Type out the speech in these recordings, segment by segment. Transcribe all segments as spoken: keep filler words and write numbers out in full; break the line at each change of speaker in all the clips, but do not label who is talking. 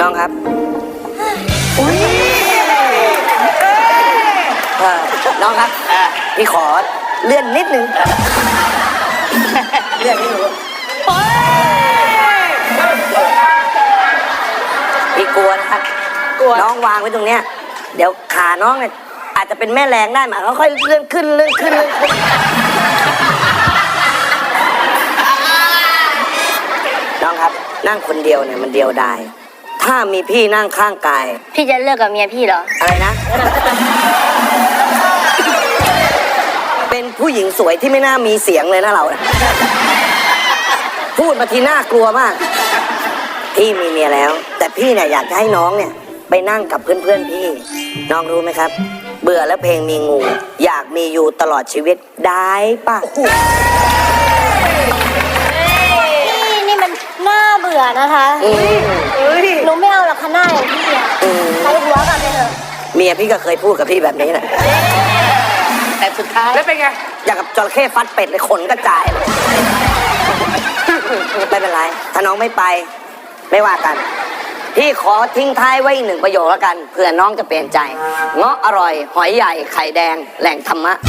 องครับอุ้ยเออน้องครับพี่ขอเลื่อนนิดนึงเลื่อนนิดนึงพี่กลัวนะครับน้องวางไว้ตรงเนี้ยเดี๋ยวขาน้องเนี่ยอาจจะเป็นแม่แรงได้หมาเขาค่อยเลื่อนขึ้นเลื่อนขึ้นเลื่อนขึ้นน้องครับนั่งคนเดียวเนี่ยมันเดียวดายถ้ามีพี่นั่งข้างกาย
พี่จะเลิกกับเมียพี่เหรอ
อะไรนะเป็นผู้หญิงสวยที่ไม่น่ามีเสียงเลยนะเราพูดมาทีน่ากลัวมากพี่มีเมียแล้วแต่พี่เนี่ยอยากจะให้น้องเนี่ยไปนั่งกับเพื่อนๆพี่น้องรู้ไหมครับเบื่อแล้วเพลงมีงูอยากมีอยู่ตลอดชีวิตได้ปะ
พี่นี่มันน่าเบื่อนะคะหนูไม่เอาหรอกค่ะหน้าอย่างพี่อะใส่หัวกันไปเถอะ
เมียพี่ก็เคยพูดกับพี่แบบนี้แหละแต่สุดท้าย
แล้วเป็นไง
อยากกับจระเข้ฟัดเป็ดเลยขนกระจายเลยไม่เป็นไรถ้าน้องไม่ไปไม่ว่ากันพี่ขอทิ้งท้ายไว้อีกหนึ่งประโยคแล้วกันเผื่อน้องจะเปลี่ยนใจเงาะอร่อยหอยใหญ่ไข่แดงแหล่งธรรมะ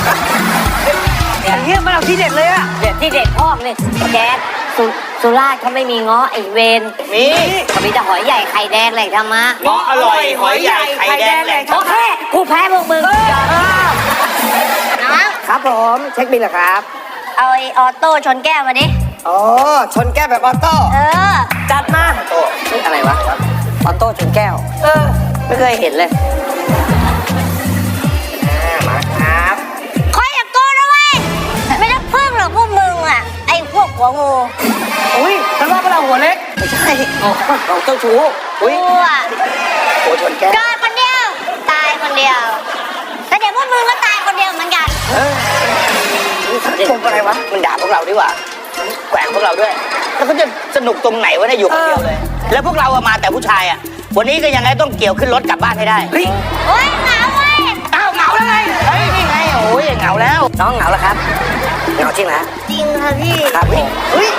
เฮียมันเอาที่เด็ดเลยอะ
เด็ดที่เด็ดพ่อเลยแจ๊ดสุสุราษฎร์เขาไม่มีเงาะไอเวน
มี
เขามีแต่หอยใหญ่ไข่แดงแหล่งธรรมะ
เงาะอร่อยหอยใหญ่ไข่แดงแหล่งธรรมะ
โอเคกูแพ้พวกมึง
นะครับผมเช็คบิลเหรอครับ
เอาไอออโต้ชนแก้วมาดิ
อ๋อชนแก้วแบบออโต้
เออ
จัดมาโต้นี่อะไรวะออโต้ชนแก้วเออไม่เคยเห็นเลยมาครับ
คอยอย่าโกนนะเว้ยไม่ต้องพึ่งหรอกพวกมึงอ่ะไอพวกหัวงู
อุ้ยฉันว่าพวกเราหัวเล็ก
ไม่ใช่เราเจ้าชู้
อุ้ย
โอ้ชนแก้ว
เกิดคนเดียวตายคนเดียวแต่เดี๋ยวพวกมึงก็ตายคนเดียวเหมือนกัน
เออชมอะไรวะมันด่าพวกเราดีกว่าแกว่งพวกเราด้วยแล้วเขาจะสนุกตรงไหนวะเนี่ยอยู่คนเดียวเลยแล้วพวกเราอะมาแต่ผู้ชายอะวันนี้ก็ยังไงต้องเกี่ยวขึ้นรถกลับบ้านให้ได้
เฮ้ยเหงาเว้ย
อ้าวเหงาแล้วไงเฮ้ยนี่ไงโอ้ยเหงาแล้วน้องเหงาแล้วครับเหงาจริงนะ
จริงค่ะพี่
ครับพี่เฮ้ย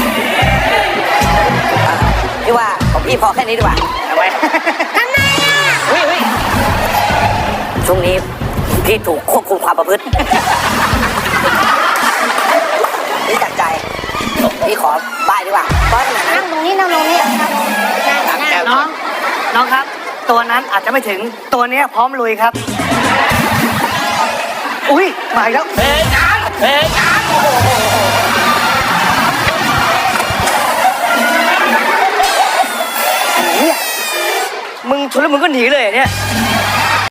พี่ว่าของพี่พอแค่นี้ดีกว่าทำไม
ทำไมอะ
เฮ้ยเฮ้ยช่วงนี้พี่ถูกควบคุมความประพฤตินี่จัดใจพี่ขอบ้ายดีกว่าบ้ายขนาดนั้น
นั่งตรงนี้นั่งตรงนี้
น้องน้องครับตัวนั้นอาจจะไม่ถึงตัวนี้พร้อมลุยครับอุ้ยมาแล้ว
เพลงงานเพลงงานโอ้โห
มึงชนแล้วมึงก็หนีเลยเนี่ย